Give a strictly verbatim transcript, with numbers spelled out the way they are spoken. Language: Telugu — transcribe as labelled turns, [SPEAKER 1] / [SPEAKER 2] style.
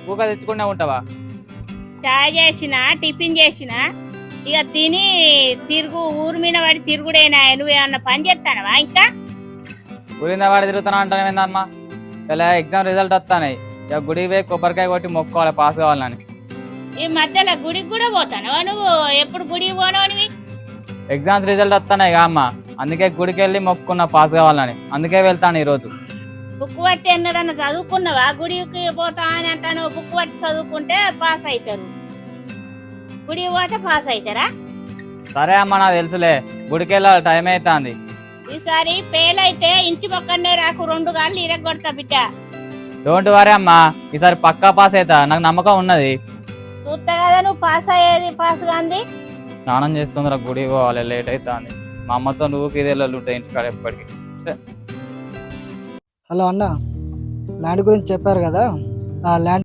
[SPEAKER 1] ఊక తెచ్చుకునే ఉంటావా?
[SPEAKER 2] చాయ్ చేసిన టిఫిన్ చేసిన ఇక తిని తిరుగు ఊరు మీద పడి తిరుగుడేనా? నువ్వేమన్నా పని చేస్తానవా? ఇంకా
[SPEAKER 1] ఊరింద వాడి తిరుగుతున్నా అంటాను ఏందమ్మా? ఇలా ఎగ్జామ్ రిజల్ట్ వస్తాయి, ఇక గుడికి పోయి కొబ్బరికాయ కొట్టి మొక్కుకోవాలి పాస్ కావాలని.
[SPEAKER 2] ఈ మధ్యలో గుడికి కూడా పోతానవా నువ్వు? ఎప్పుడు గుడికి పోనవనివి?
[SPEAKER 1] ఎగ్జామ్స్ రిజల్ట్ వస్తున్నాయి కా అమ్మ, అందుకే గుడికి వెళ్ళి మొక్కుకున్నా పాస్ కావాలని, అందుకే వెళ్తాను ఈరోజు.
[SPEAKER 2] బుక్ పట్టి ఎన్నడన్నా చదువుకున్నావా? గుడికి పోతా అని అంటాను. బుక్ పట్టి చదువుకుంటే పాస్ అవుతారు, గుడికి పోతే పాస్ అవుతారా?
[SPEAKER 1] సరే అమ్మ, నాకు తెలుసులే, గుడికి వెళ్ళాలి, టైం అవుతుంది.
[SPEAKER 2] ఈసారి ఫెయిల్ అయితే ఇంటి పక్కనే రాకు, రెండు గాళ్ళు ఇరగొడతా బిడ్డ.
[SPEAKER 1] డోంట్ వరీ అమ్మా, ఈసారి పక్కా పాస్ అవుతా, నాకు నమ్మకం ఉన్నది.
[SPEAKER 2] చూస్తా కదా నువ్వు పాస్ అయ్యేది. పాస్ కాంది
[SPEAKER 1] స్నానం చేస్తుందిరా, గుడికి పోవాలి, లేట్ అవుతుంది. మా అమ్మతో నువ్వు ఇదేళ్ళు ఉంటాయి ఇంటికాడ ఎప్పటికీ.
[SPEAKER 3] హలో అన్న, ల్యాండ్ గురించి చెప్పారు కదా, ఆ ల్యాండ్